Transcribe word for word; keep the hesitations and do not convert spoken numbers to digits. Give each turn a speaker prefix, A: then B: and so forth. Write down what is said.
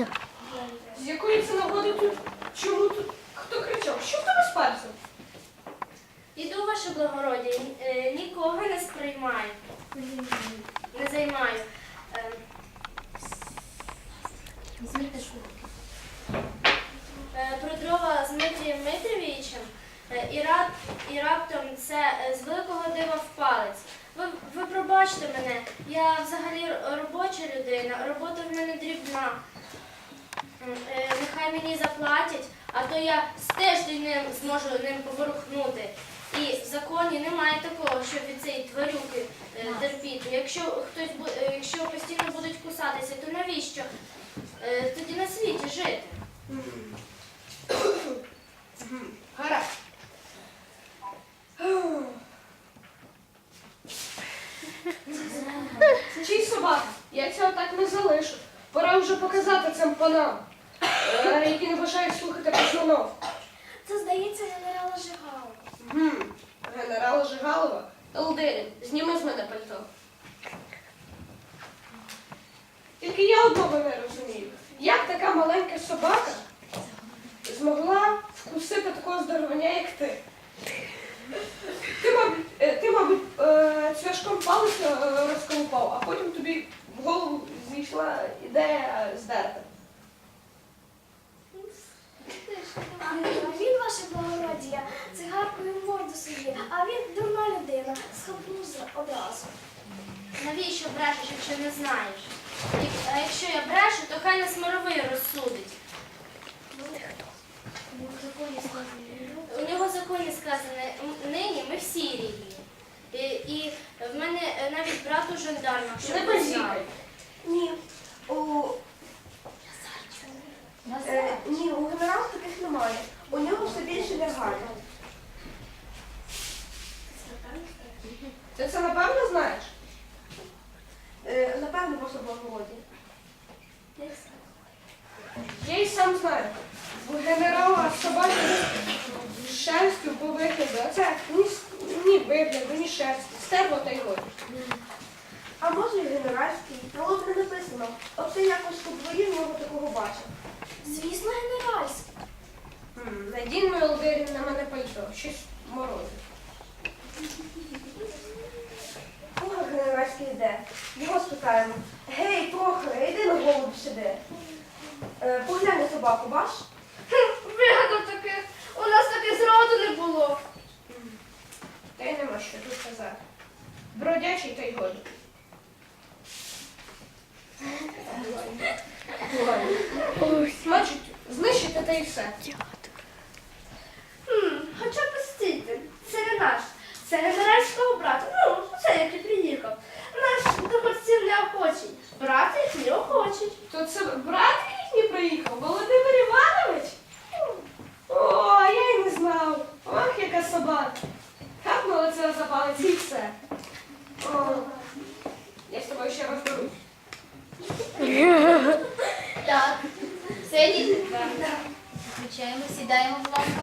A: Настя.
B: З якої це нагоди тут? Чому тут? Хто кричав? Що в тебе з пальцем?
C: Іду, ваше благородя, ні- е, нікого не сприймаю, не займаю. Е, е, Про дрова з Дмитрієм Дмитровичем е, і, рап, і раптом це е, з великого дива в палець. Ви, ви пробачте мене, я взагалі р- робоча людина, робота в мене дрібна. М, е, Нехай мені заплатять, а то я з тиждень не зможу ним поворухнути. І в законі немає такого, щоб від цієї тварюки е, терпіти. Якщо хтось бу- е, якщо постійно будуть кусатися, то навіщо е, тоді на світі жити?
B: Гаразд. Чий собака? Я цього так не залишу. Пора вже показати цим панам, е, які не бажають слухати познанов.
C: Це, здається, генерала Жигала.
B: Гм, Генерала Жигалова. Елдерін, зніми з мене пальто. Тільки я одного не розумію. Як така маленька собака змогла вкусити такого здоровання, як ти? Ти, мабуть, е, ти, мабуть, е, цвяшком палець е, розколупав, а потім тобі в голову зійшла ідея здерти.
D: А він, ваше благородія, цигаркою морду собі, а він дурна людина, схапнув одразу.
C: Навіщо брешеш, якщо не знаєш? Як- А якщо я брешу, то хай нас мировий розсудить. У нього в законі сказано, м- нині ми всі рівні. І, і в мене е, навіть брат у жандармах, щоб
B: Не
C: ви знали.
B: базікай.
E: Ні, у, е, ні, у генерала таких немає. У нього все більше лягає.
B: Ти це напевно знаєш?
E: Е, напевно, ваше благородія.
B: Я й сам знаю. У генерала собаки шерстю по вигляду, а це ні, с- ні вигляду, ні шерсті, стерло та й годі.
E: А може і генеральський, на лоб не написано. От ти якось у дворі в нього такого бачив.
D: Звісно, генеральський.
B: М, Надійно Елдерін на мене пальто, щось морозить.
E: Кого генеральський йде? Його спитаємо. Гей, Прохоре, йди на голову сюди. Е, поглянь на собаку, бач?
C: Вигадав таких, у нас таких зроду не було.
B: Та й нема що тут казати. Бродячий та й годі. Значить, знищити та й все.
C: Хм, хоча постійте, це не наш, це генеральського брата. Ну, це як і приїхав. Наш до борців неохочий, брат їх не охочий.
B: То це брат їхній приїхав, Володимир Іванович? О, я й не знав. Ох, яка собака. Хапнула це за палець і все. О, я з тобою ще розберусь.
F: Так, все, діти. Включаємо, сідаємо, будь ласка.